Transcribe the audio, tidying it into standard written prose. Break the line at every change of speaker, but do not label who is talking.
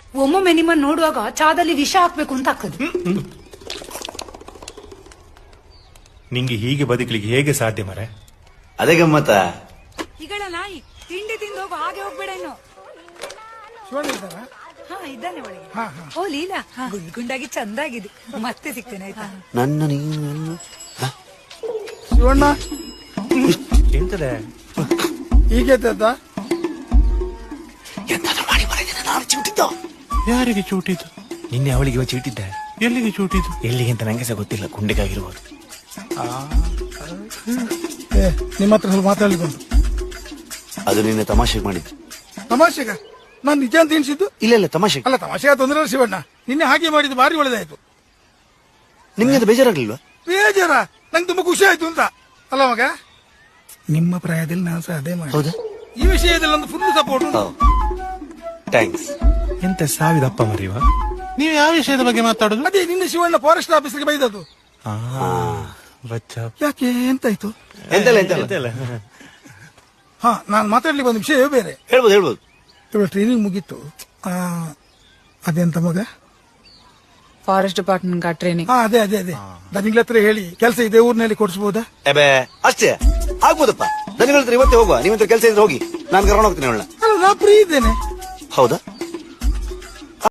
ಒಮ್ಮೊಮ್ಮೆ ನಿಮ್ಮನ್ನ ನೋಡುವಾಗ ಚಾದಲ್ಲಿ ವಿಷ ಹಾಕ್ಬೇಕು ಅಂತ ಹಾಕದು.
ನಿಂಗೆ ಹೀಗೆ ಬದುಕಲಿಕ್ಕೆ ಹೇಗೆ ಸಾಧ್ಯ ಮರೆ?
ಅದೇ ಗಮ್ಮತ್ತ.
ಈಗಳ ನಾಯಿ ತಿಂಡಿ ತಿಂದು ಹೋಗು, ಹಾಗೆ ಹೋಗ್ಬೇಡ ಇನ್ನು. ಹಾ ಇದ್ದಾನೆ ಒಳಗೆ. ಓ ಲೀಲಾ, ಗುಂಡಾಗಿ ಚಂದಾಗಿದೆ. ಮತ್ತೆ ಸಿಗ್ತೇನೆ ಆಯ್ತಾ?
ನನ್ನ ನೀನು
ಶಿವಣ್ಣ
ಎಂತದೆ
ಹೀಗೆ
ಎಂತಾದ್ರೂ ಮಾಡಿ ಬರದಿನ ನಾನು ಚಿಂತಿದ್ದ.
ಯಾರಿಗೆ ಚೂಟಿದ್ದು?
ನಿನ್ನೆ ಅವಳಿಗೆ ಚೀಟಿದ್ದೆ.
ಎಲ್ಲಿಗೆ ಚೂಟಿದ್ದು?
ಎಲ್ಲಿಗೆ ಅಂತ ನಂಗೆ ಸಹ ಗೊತ್ತಿಲ್ಲ. ಗುಂಡಿಗಾಗಿರ್ಬೋದು.
ನಿಮ್ಮ ಹತ್ರ ಸ್ವಲ್ಪ ಮಾತಾಡ್ಲಿಕ್ಕೆ ಉಂಟು.
ಅದು ನಿನ್ನೆ ತಮಾಷೆಗೆ ಮಾಡಿದ್ದು.
ತಮಾಷೆಗ? ನಾನು ನಿಜ ಅಂತ ಎಣಿಸಿದ್ದು.
ಇಲ್ಲ ತಮಾಷೆ
ಅಲ್ಲ, ತಮಾಷೆಗ ತೊಂದರೆ ಇಲ್ಲ ಶಿವಣ್ಣ. ನಿನ್ನೆ ಹಾಗೆ ಮಾಡಿದ್ದು ಭಾರಿ ಒಳ್ಳೆದಾಯ್ತು.
ನಿಮ್ಗೆ ಅದು ಬೇಜಾರಾಗ್ಲಿಲ್ವಾ?
ಬೇಜಾರ? ನಂಗೆ ತುಂಬಾ ಖುಷಿ ಆಯ್ತು ಅಂತ. ಅಲ್ಲ ಮಗ, ನಿಮ್ಮ ಪ್ರಾಯದಲ್ಲಿ ನಾನು ಸಹ ಅದೇ ಮಾಡಿ.
ಹೌದಾ?
ಈ ವಿಷಯದಲ್ಲಿ ಒಂದು ಫುಲ್ ಸಪೋರ್ಟ್.
ಥ್ಯಾಂಕ್ಸ್.
ಎಂತ ಸಾವಿದಪ್ಪ ಮರಿವ? ನೀವು ಯಾವ ವಿಷಯದ ಬಗ್ಗೆ ಮಾತಾಡುದು?
ಅದೇ ನಿನ್ನೆ ಶಿವಣ್ಣ ಫಾರೆಸ್ಟ್ ಆಫೀಸ್ಗೆ ಬೈದದ್ದು. ಯಾಕೆ, ಎಂತಾಯ್ತು?
ಎಂತೆಲ್ಲ
ಹಾ, ನಾನು ಮಾತಾಡ್ಲಿಕ್ಕೆ ಒಂದು ವಿಷಯವೇ ಬೇರೆ.
ಹೇಳ್ಬೋದು.
ಇವಾಗ ಟ್ರೈನಿಂಗ್ ಮುಗೀತು. ಅದೆಂತ ಮಗ?
Forest department training.
ಅದೇ ದನಿಗಳ ಹತ್ರ ಹೇಳಿ ಕೆಲಸ ಇದೆ ಊರಿನಲ್ಲಿ ಕೊಡಿಸಬಹುದಾ?
ಅಷ್ಟೇ ಆಗ್ಬೋದಪ್ಪ. ದನಿಗಳ ಹತ್ರ ಇವತ್ತೇ ಹೋಗುವ. ನೀವಂತ ಕೆಲಸ ಇದ್ರೆ ಹೋಗಿ, ನಾನು ಕರ್ಕೊಂಡು ಹೋಗ್ತೀನಿ ಅವಳನ್ನ.
ಅಲ್ಲ, ನಾ ಫ್ರೀ ಇದ್ದೇನೆ.
ಹೌದಾ?